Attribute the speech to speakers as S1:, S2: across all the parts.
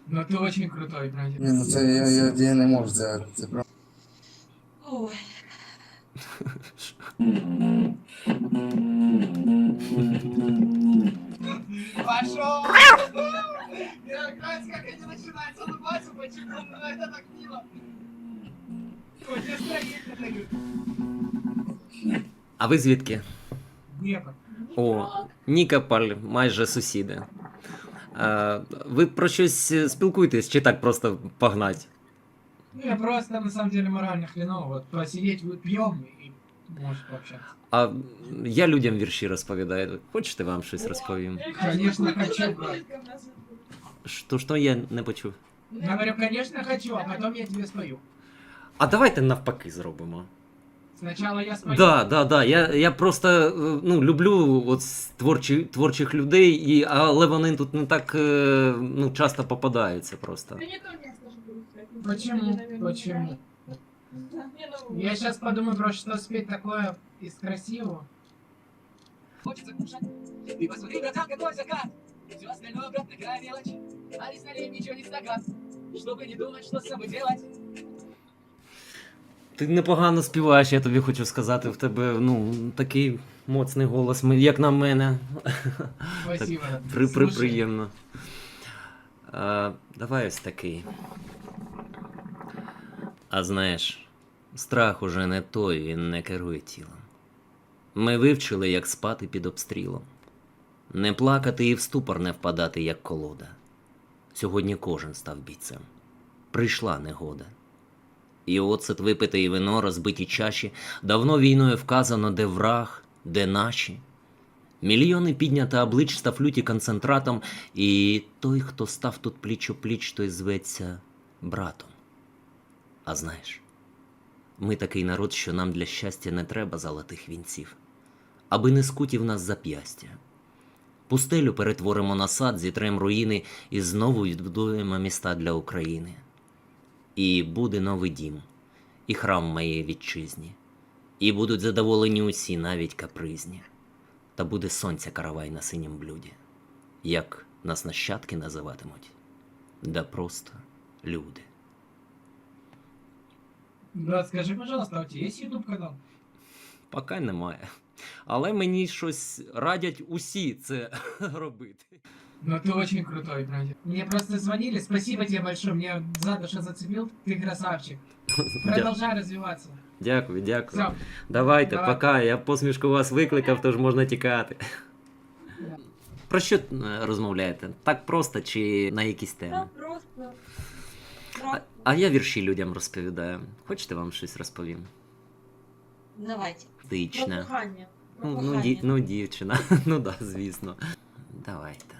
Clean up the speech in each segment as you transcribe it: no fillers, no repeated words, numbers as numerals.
S1: Но ты очень крутой, братик.
S2: Ні, ну це я не можу, це правда.
S3: Ой,
S1: Пошел! Я нравится, как они начинают улыбаться почему-то, но это так мило. Хоть настроение дают.
S4: А ви звідки?
S1: Днепр.
S4: О, Нікополь, майже сусіди. Ви про щось спілкуєтесь чи так просто погнать?
S1: Ну, я просто, на самом деле, морально хреново. Вот посидеть, вот пьем и может пообщаться.
S4: А я людям вірші розповідаю. Хочете вам щось розповім?
S1: Конечно, хочу, брат.
S4: Що я не почув?
S1: Говорю, конечно, хочу, а потом я тебе спою.
S4: А давайте навпаки зробимо.
S1: Сначала я спою.
S4: Да. Я просто ну, люблю от творчих людей, але вони тут не так ну, часто попадаються просто.
S1: Почему? Почему? Я сейчас подумаю, про что спеть такое из красивого. Хочется кушать. Ты посмотри, братан, какой закат. Все остальное, брат, такая мелочь. А лишь налей ничего не стакан. Чтобы не думать, что с собой делать.
S4: Ти непогано співаєш, я тобі хочу сказати, в тебе ну, такий моцний голос, як на мене.
S1: Спасибо.
S4: Так, приємно. Давай ось такий. А знаєш, страх уже не той, він не керує тілом. Ми вивчили, як спати під обстрілом. Не плакати і в ступор не впадати, як колода. Сьогодні кожен став бійцем. Прийшла негода. І оцет випите і вино, розбиті чаші, давно війною вказано, де враг, де наші. Мільйони піднято облич став люті концентратом, і той, хто став тут пліч-о-пліч, той зветься братом. А знаєш, ми такий народ, що нам для щастя не треба золотих вінців, аби не скуті в нас зап'ястя. Пустелю перетворимо на сад, зітрем руїни і знову відбудуємо міста для України. І буде новий дім, і храм моєї вітчизні, і будуть задоволені усі, навіть капризні. Та буде сонця каравай на синім блюді, як нас нащадки називатимуть, да просто люди.
S1: Брат, скажи, пожалуйста, а у тебя есть YouTube канал?
S4: Поки немає. Але мені щось радять усі це робити.
S1: Ну ты очень крутой, братик. Мне просто звонили, спасибо тебе большое, мне за душу зацепил, ты красавчик. Продолжай развиваться.
S4: Дякую.
S1: Все.
S4: Давайте,
S1: Давай.
S4: пока. Я посмішку вас викликав, тож можна тікати. Про що розмовляєте? Так просто чи на якісь
S3: да,
S4: теми?
S3: просто.
S4: А я вірші людям розповідаю. Хочете вам щось розповім?
S3: Давайте. Про
S4: Тичне.
S3: кохання. Про
S4: Ну,
S3: кохання.
S4: дівчина. Ну да, звісно. Давайте.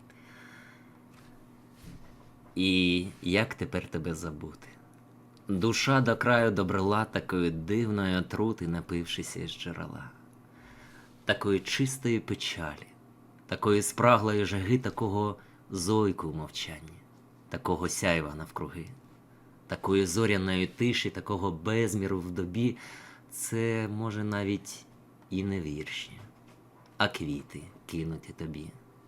S4: І як тепер тебе забути? Душа до краю добрила такої дивної отрути, напившися із джерела. Такої чистої печалі, такої спраглої жаги, такого зойку в мовчанні, такого сяйва навкруги, такої зоряної тиші, такого безміру в добі. Це, може, навіть і не вірші, а квіти кинуті тобі.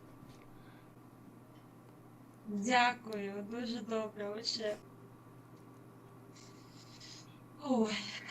S3: Дякую, дуже добре, вообще. Ой.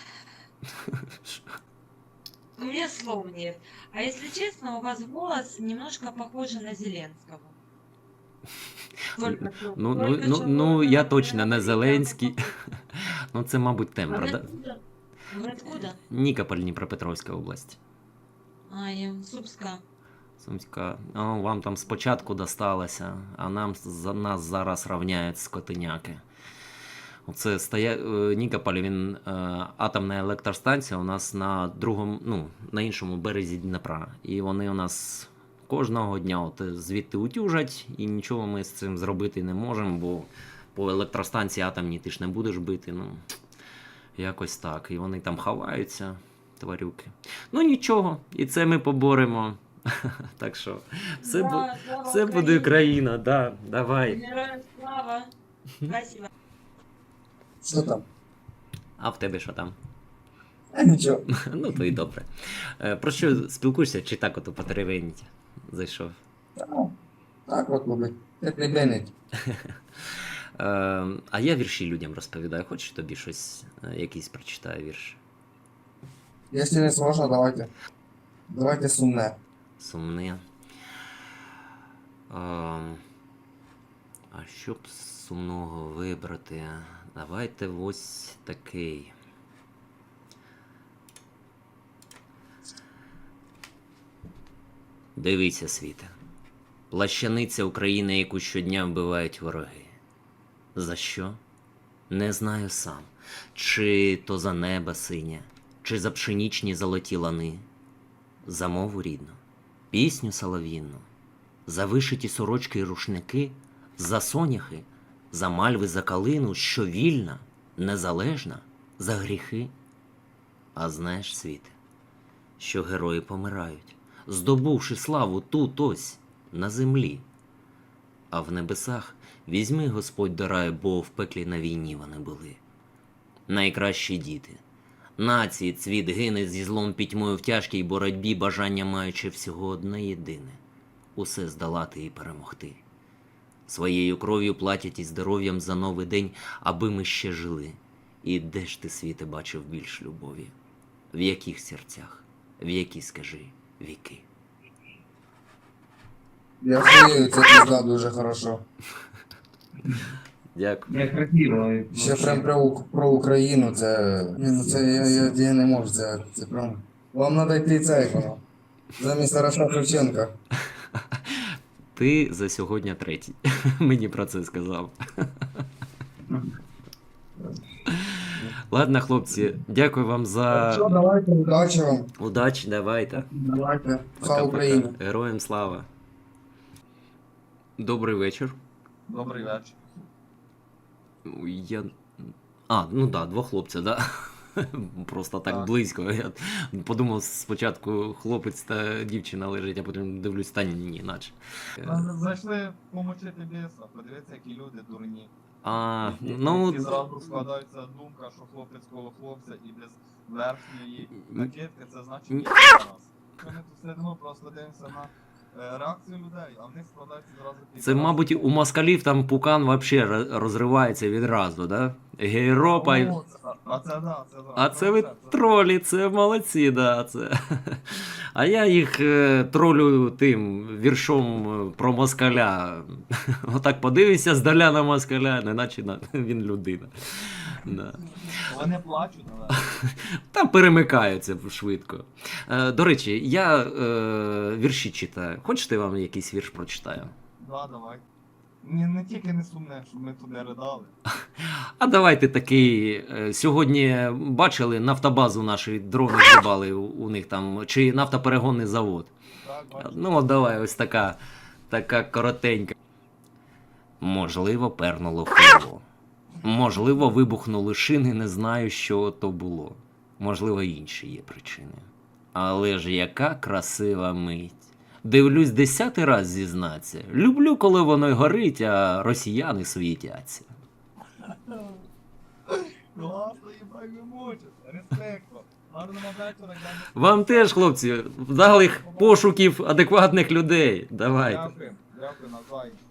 S3: У меня слов нет. А если честно, у вас голос немножко похожий на Зеленского. Только чё- только чего
S4: Ну,
S3: вы
S4: я
S3: прям
S4: точно не
S3: прям
S4: Зеленський.
S3: похожи.
S4: Ну, це, мабуть,
S3: А
S4: тембр,
S3: вы
S4: да?
S3: откуда? Вы откуда?
S4: Нікополь, Дніпропетровська область.
S3: А, я Супска.
S4: Сумська. О, вам там спочатку досталося, а нас зараз равняють скотиняки. Оце Нікополь, він атомна електростанція у нас на другому, ну, на іншому березі Дніпра. І вони у нас кожного дня от звідти утюжать, і нічого ми з цим зробити не можемо, бо по електростанції атомній ти ж не будеш бити. Ну, якось так. І вони там ховаються, тварюки. Ну нічого, і це ми поборемо. Так що, все,
S3: Да, слава
S4: все буде
S3: Україні.
S4: Україна, да, давай.
S3: Героям слава. Спасибо.
S2: Що там?
S4: А в тебе що там?
S2: А нічого.
S4: Ну, то й добре. Про що спілкуєшся, чи так ото потеревеніть? Зайшов.
S2: Так от, мабуть. Як не бенить.
S4: А я вірші людям розповідаю. Хочеш тобі щось, якийсь прочитаю вірш?
S2: Якщо не сложно, давайте. Давайте сумне.
S4: Сумне. А що б з сумного вибрати? Давайте ось такий. Дивися, світе. Плащаниця України, яку щодня вбивають вороги. За що? Не знаю сам. Чи то за небо синє, чи за пшенічні золоті лани. За мову рідну, пісню солов'їнну, за вишиті сорочки й рушники, за соняхи, за мальви, за калину, що вільна, незалежна, за гріхи. А знаєш, світе, що герої помирають, здобувши славу тут ось, на землі. А в небесах візьми Господь до раю, бо в пеклі на війні вони були. Найкращі діти, нації цвіт гине зі злом пітьмою в тяжкій боротьбі, бажання маючи всього одне єдине – усе здолати і перемогти. Своєю кров'ю платять і здоров'ям за новий день, аби ми ще жили. І де ж ти, світе, бачив більш любові? В яких серцях? В які, скажи, віки?
S2: Я впевнений, це пізда дуже хорошо.
S4: Дякую.
S5: Я красиво.
S2: Ще прям про Україну, це... Ні, ну це я не можу, це прям... Вам треба йти цей, воно. Замість Тараса Шевченка.
S4: Ти за сьогодні третій. Мені про це сказав. Ладно, хлопці, дякую вам за
S2: Що, давайте, удачі вам.
S4: удачі, давайте.
S2: Давайте. Слава Україні.
S4: Героям слава. Добрий вечір.
S5: Добрий вечір.
S4: Я... ну да, два хлопця, да? Просто так
S5: Так.
S4: близько. Я подумав спочатку хлопець та дівчина лежить, а потім дивлюсь, та ні, наче.
S5: Зайшли помочити біса, подивіться, які люди дурні.
S4: Ну,
S5: І зразу складається думка, що хлопець коло хлопця і без верхньої накидки, це значить ні для нас. Ми тут сидимо, просто дивимося на реакцію людей, а в них складається зразу
S4: це, мабуть, у москалів там пукан взагалі розривається відразу, да? Гейропа.
S5: А це да, це да.
S4: А це ви тролі, це молодці, да, це. А я їх тролю тим віршом про москаля. Отак подивишся здаля на москаля, неначе він людина. Да.
S5: Вони плачуть, але...
S4: Там перемикаються швидко. До речі, я вірші читаю. Хочете, я вам якийсь вірш прочитаю?
S5: Да, давай. Не тільки не сумне, щоб ми туди ридали.
S4: А давайте такий. Сьогодні бачили нафтобазу наші дрони збивали у них там, чи нафтоперегонний завод.
S5: Так, бачиш?
S4: Ну, от давай, ось така коротенька. Можливо, пернуло крило. Можливо, вибухнули шини, не знаю, що то було. Можливо, інші є причини. Але ж яка красива мить. Дивлюсь 10-й раз зізнаться. Люблю, коли воно й горить, а росіяни світяться.
S5: Класно, їбай, ви мучите. Респектно. Гарного вечора.
S4: Вам теж, хлопці, вдалих пошуків адекватних людей. Давайте.
S5: Дякую, навзаєм.